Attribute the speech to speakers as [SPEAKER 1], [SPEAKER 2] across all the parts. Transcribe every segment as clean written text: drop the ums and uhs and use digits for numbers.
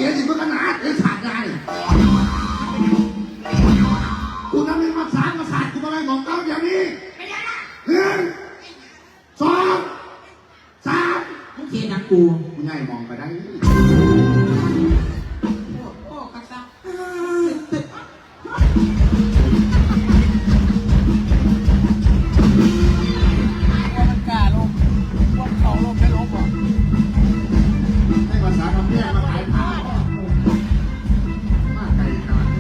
[SPEAKER 1] ก๋สิมันขนาดไอ้ขาดงานกูทำให้มาสารมาสาดกูอะไรของเขาอย่างนี้1 2 3
[SPEAKER 2] มึงเทียนนักกู
[SPEAKER 1] ง่ายมองไปได้
[SPEAKER 2] โอ้กักซัมันกล้าลงพวกเขาลงไม่ลงหรอ
[SPEAKER 1] ให้ภาษาคำแยกมาขายผ้ามากไกลขนาด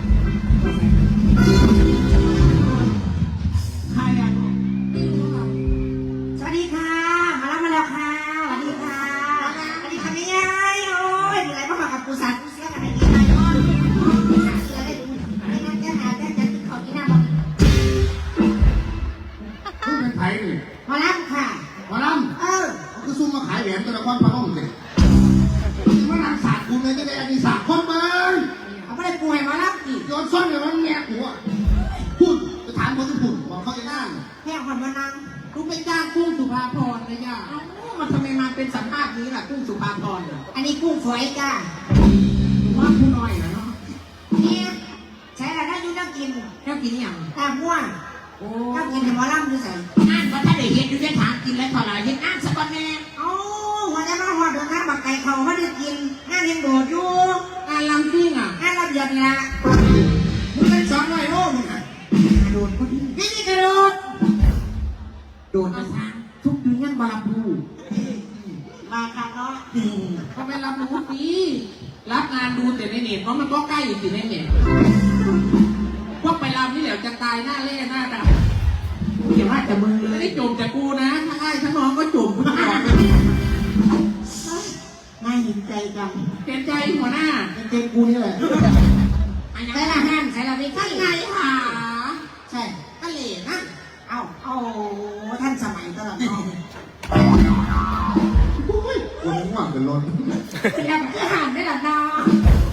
[SPEAKER 2] ใครอ่ะ
[SPEAKER 3] สวัสดีค่ะมาแล้วค่ะสวัสดีค่ะสวัสดีค่ะไม่ยายโอ้ยมีอะไรมาฝากกับปูสานปูเสียกันไหนดีไหมอ้อนเสือได้ดูไม่งั้นจะหาจะกินของกินน้ำบ่
[SPEAKER 1] คุณเป็นไผ่นี่
[SPEAKER 3] มาแล้วค่ะ
[SPEAKER 1] มาลำ
[SPEAKER 3] เขา
[SPEAKER 1] คือซุ่มมาขายแหวนตัวละครพะล่องสิมันนางศาสตร์กูเลยจะได้อันนี้ศาสตร์คนเบิ้ง
[SPEAKER 3] เขาไม่ได้ปูให้มาแล้วอีก
[SPEAKER 1] โยนซ่อนเลยมันแงะหัวพูดจะถามคนที่พูดบอกเขาจะนั่ง
[SPEAKER 3] แค่คนมานั่ง
[SPEAKER 2] กูเป็นจ้างกุ้งสุภาพรนะย่ามันทำไมมาเป็นสัมภาษณ์นี้ล่ะกุ้งสุภาพร
[SPEAKER 3] อันนี้กุ้งฝอยจ้า
[SPEAKER 2] ว่าผู้น้อยนะเนาะ
[SPEAKER 3] เนี่ยใช้อะไรได้ยุ่งต้องกิน
[SPEAKER 2] แล้วกินอย่าง
[SPEAKER 3] ตาม่วงต้องกินให้หมอลำดูใส่
[SPEAKER 2] งานว่าถ้าได้เห็นดูได้ถามกินแล้วเท่าไหร่เห็นงานสักวันแน่
[SPEAKER 3] หัวใจมาหัวเดินทางบักไก่เขาเขาได้กินงานยังโดดอยู่
[SPEAKER 2] งานลำซิ่งอ่ะ
[SPEAKER 3] งานระเบียบเนี่ย
[SPEAKER 2] มึงเป็น200 โลมึงอ่ะ
[SPEAKER 3] โดดพอดีนี่กระโดด
[SPEAKER 2] โดนมาทางทุกเดือนบาบู
[SPEAKER 3] มาค่ะเนาะ
[SPEAKER 2] เขาไปรับรู้ดีรับงานดูแต่ในเน็ตเพราะมันก็ใกล้อยู่ในเน็ตพวกไปรับนี่เดี๋ยวจะตายหน้าเล่หน้าดำอย่าว่าแต่มึงเลยไม่จมแต่กูนะทั้งไอ้ทั้งน้องก็จมกูบอก
[SPEAKER 3] น่าเห็นใจจัง
[SPEAKER 2] เห็นใจหัวหน้า
[SPEAKER 1] เป็นเกมกูนี่แหละ
[SPEAKER 3] ใส่ละห้านใส่ละไม่ใช่
[SPEAKER 2] ไงหา
[SPEAKER 3] ใช่
[SPEAKER 2] ก็เหล่นะ
[SPEAKER 3] เอาท่านสมัยตลอดน้อง
[SPEAKER 1] คนง่วงเป็นรถ
[SPEAKER 3] ยังจะหันได้หรอน้อง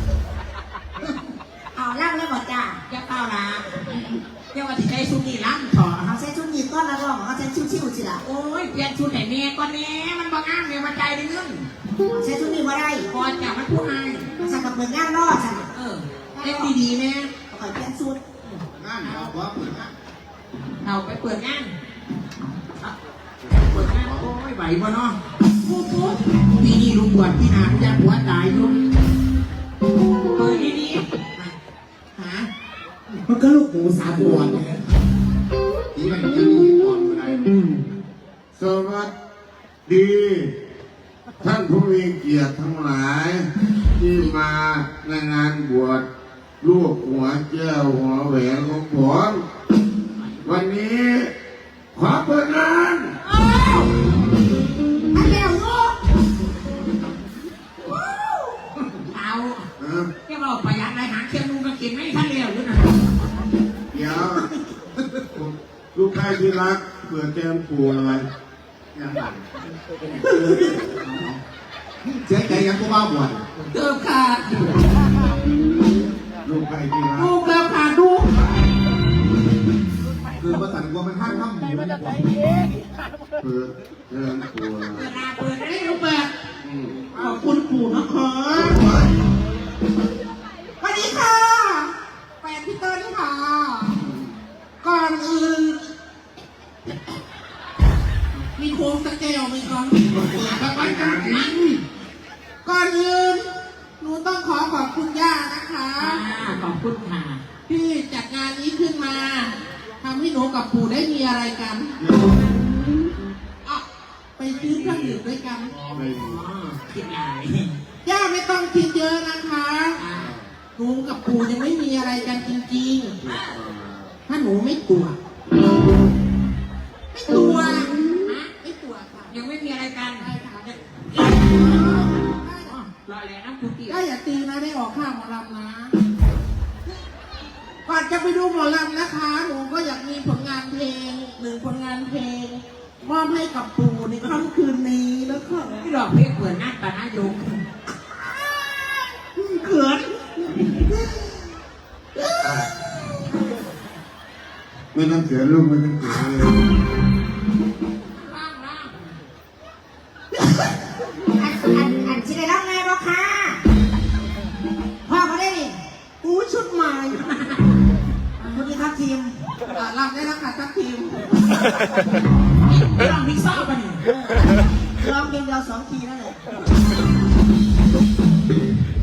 [SPEAKER 3] เอาล่างแล้วบอกจ้า
[SPEAKER 2] อย่าเปล่านะอย่าว่าที่ใจชุดนี้ล้ำถอด
[SPEAKER 3] เขาใช้ชุดนี้ก้อนละร้องเขาใช้ชิวๆสิล่ะ
[SPEAKER 2] โอ้ยเปลี่ยนชุดไหนเมียก่อนแน่มันบางงานเมียมาใจในเรื่อง
[SPEAKER 3] ใช้ชุดนี้มาได้
[SPEAKER 2] ก่อนจากมันผู้ให้
[SPEAKER 3] สั่งกับเมืองงานรอดสั่ง
[SPEAKER 2] เล่นดีๆแม่
[SPEAKER 3] ขอเปลี่ยนชุด
[SPEAKER 1] งานเราว่าเปิดงาน
[SPEAKER 2] เราไปเปิดงานโอ้ยไหวบ่เนาะปุ๊บปีนี้ลุงบวชพี่นาพี่ยักษ์หัวตายลุงเปิดดีๆหา
[SPEAKER 1] มันก็ลูกหมูสามบวชเนี่ยที่มันจะมีก่อนอะไร
[SPEAKER 4] สวัสดีท่านผู้มีเกียรติทั้งหลายที่มาในงานบวชลูกหัวแก้วหัวแหวนของผมวันนี้ขอเปิดงาน
[SPEAKER 3] มาเร็วลูก
[SPEAKER 2] เอาแค่บอกประหยัดอะไรหาเชียงลุงก็กินไม่ทันเร็วด้วยนะ
[SPEAKER 4] เดี๋ยวลูกชายที่รักเปิดแก้มปูอะไร
[SPEAKER 1] ยังไงเสียใจยังกูบ้าบ่อย
[SPEAKER 2] เกือบขาด
[SPEAKER 4] ลูกชายที่รัก
[SPEAKER 2] ลูกเกือบขาดดู
[SPEAKER 1] คือภาษาอังกฤษมันห้ามทำหมู
[SPEAKER 4] เปิดแก้มปู
[SPEAKER 2] เปิดได้ลูกเปิดขอบคุณปู่นะคะ
[SPEAKER 3] สวัสดีค่ะ
[SPEAKER 2] แฟนพี่เติ้ลค่ะก่อนอื่นมีโค้งสักแก้วไหมครับก่อนอื่นหนูต้องขอบคุณย่านะคะขอบคุณค่ะที่จัดงานนี้ขึ้นมาทำให้หนูกับปู่ได้มีอะไรกันไปซื้อเครื่องดื่มด้วยกันคิดอะไรย่าไม่ต้องคิดเยอะนะคะหนูกับปู่ยังไม่มีอะไรกันจริงๆถ้าหนูไม่ตัวไม่ตัวค่ะยังไม่มีอะไรกันรอแล้วนะคุณตีอย่าตีนะได้ออกข้างหมอลำนะก่อนจะไปดูหมอลำนะคะหนูก็อยากมีผลงานเพลง1 ผลงานเพลงมอบให้กับปู่ในค่ำคืนนี้แล้วก็ที่ดอกเพลงเปิดหน้าตาหน้าโยงเขิน
[SPEAKER 4] ไม่ต้องเสียลูกไม่ต้องเสียเลย
[SPEAKER 3] อันที่ได้รับไงบ้างคะ
[SPEAKER 2] รับได้แล้วค่ะทัพทีม
[SPEAKER 3] ลองพิซซ่าป่ะนี่ลองเพลงเดียว2 ทีนั่นแหละ